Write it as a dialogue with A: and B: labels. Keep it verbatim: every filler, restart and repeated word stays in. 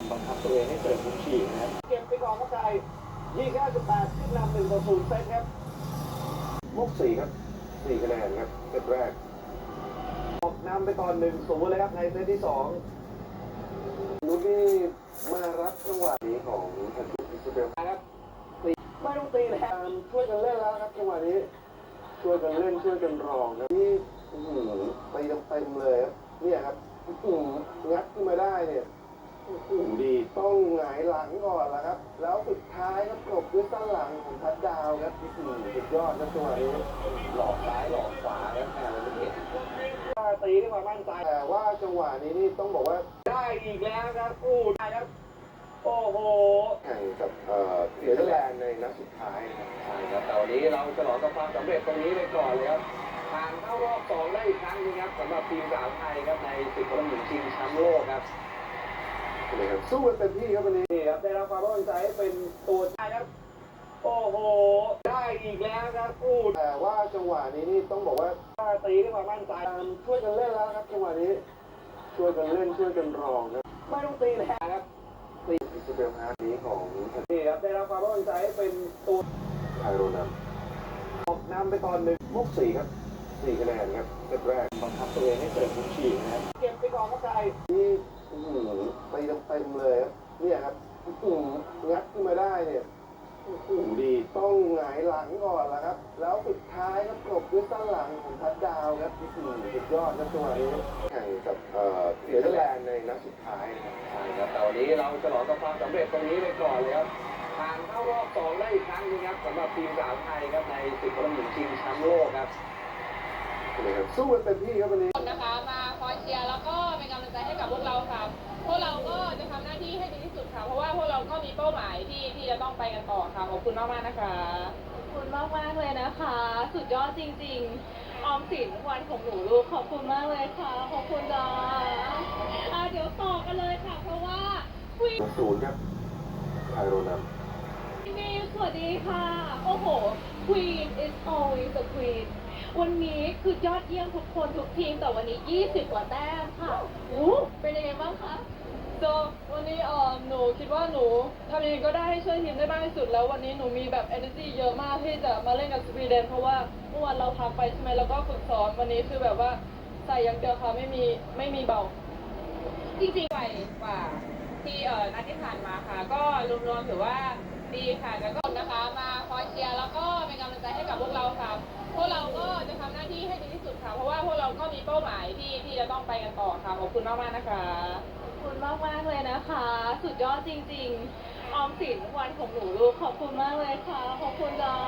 A: บังคับตัวเองให้เสิร์ฟมุมฉีกนะครับเก็บไปก่อนครับใจยี่สิบเก้าจุดแปดขึ้นนำหนึ่งต่อศูนย์เซตครับมุกสี่ครับสี่คะแนนครับเซตแรกออกนำไปตอนหนึ่งศูนย์เลยครับในเซตที่สองลูกนี่มารับจังหวะนี้ของทันทุอิสเบลครับตีไม่ต้องตีแล้วช่วยกันเล่นแล้วครับจังหวะนี้ช่วยกันเล่นช่วยกันรองครับนี่ตีเต็มๆเลยครับเนี่ยครับงัดขึ้นมาได้เนี่ยดีต้องหงายหลังก่อนละครับแล้วสุดท้ายก็จบด้วยสั้นหลังของทัดดาวครับสุดยอดนะจังหวะนี้หลอกซ้ายหลอกขวาครับแต่เราไม่เห็นตีด้วยความมั่นใจแต่ว่าจังหวะนี้นี่ต้องบอกว่าได้อีกแล้วครับอู้ได้ครับโอ้โหแข่งกับเอ่อเนเธอร์แลนด์ในนัดสุดท้ายใช่ครับแต่วันนี้เราฉลองกับความสำเร็จตรงนี้ไปก่อนเลยครับผ่านเข้ารอบสองได้อีกครั้งนึงครับสำหรับทีมสาวไทยครับในศึกฟุตบอลหญิงชิงแชมป์โลกครับสู้กันเต็มที่ครับวันนี้ครับได้รับความร่วมใจให้เป็นตัวได้ครับโอ้โหได้อีกแล้วครับอู้แต่ว่าจังหวะนี้นี่ต้องบอกว่าตีด้วยความมั่นใจช่วยกันเล่นแล้วครับจังหวะนี้ช่วยกันเล่นช่วยกันรองครับไม่ต้องตีแล้วครับตีอิสเบลฮาร์นี้ของนี่ครับได้รับความร่วมใจให้เป็นตัวไทโรนัมออกนำไปตอนหนึ่งมุกสี่ครับสี่คะแนนครับเซตแรกบังคับตัวเองให้เสิร์ฟมุมฉีกนะครับเก็บไปก่อนครับใจนี่ตีเต็มๆเลยครับเนี่ยครับงัดขึ้นมาได้เนี่ยดีต้องหงายหลังก่อนละครับแล้วสุดท้ายก็จบด้วยสั้นหลังของทัดดาวครับสุดยอดนะจังหวะนี้แข่งกับเอ่อเนเธอร์แลนด์ในนัดสุดท้ายใช่ครับแต่วันนี้เราฉลองกับความสำเร็จตรงนี้ไปก่อนเลยครับผ่านเข้ารอบสองได้อีกครั้งนึงครับสำหรับทีมสาวไทยครับในศึกฟุตบอลหญิงชิงแชมป์โลกครับสู้กันเต็มที่ครับวันนี้
B: นะคะมาคอยเชียร์แล้วก็เป็นกำลังใจให้กับพวกเราค่ะพวกเราก็จะทำหน้าที่ให้ดีที่สุดค่ะเพราะว่าพวกเราก็มีเป้าหมายที่ที่จะต้องไปกันต่อค่ะขอบคุณมากมากนะคะ
C: ขอบคุณมากมากเลยนะคะสุดยอดจริงๆออมสินวันของหนูลูกขอบคุณมากเลยค่ะขอบคุณจ้าอ่ะเดี๋ยวต่อกันเลยค่ะเพราะว่าควีน
A: ศูนย์ครับไทโรนัม
C: นี่สวัสดีค่ะโอ้โห Queen is always the queen วันนี้คือยอดเยี่ยมทุกคนทุกทีมแต่วันนี้ยี่สิบกว่าแต้มค่ะอู้เป็นยังไงบ้างคะ
B: ก็วันนี้เอ่อหนูคิดว่าหนูทำยังไงก็ได้ให้ช่วยทีมได้มากที่สุดแล้ววันนี้หนูมีแบบ energy เยอะมากที่จะมาเล่นกับสวีเดนเพราะว่าเมื่อวานเราพักไปใช่ไหมแล้วก็ฝึกซ้อมวันนี้คือแบบว่าใส่อย่างเดียวค่ะไม่มีไม่มีเบาจริงๆไปกว่าที่เอ่อนัดที่ผ่านมาค่ะก็รวมๆถือว่าดีค่ะแล้วก็นะคะมาคอยเชียร์แล้วก็เป็นกำลังใจให้กับพวกเราค่ะพวกเราก็จะทำหน้าที่ให้ดีที่สุดค่ะเพราะว่าพวกเราก็มีเป้าหมายที่ที่จะต้องไปกันต่อค่ะขอบคุณมากมากนะคะ
C: ขอบคุณมากมากเลยนะคะสุดยอดจริงๆออมสินวันของหนูลูกขอบคุณมากเลยค่ะขอบคุณจ้า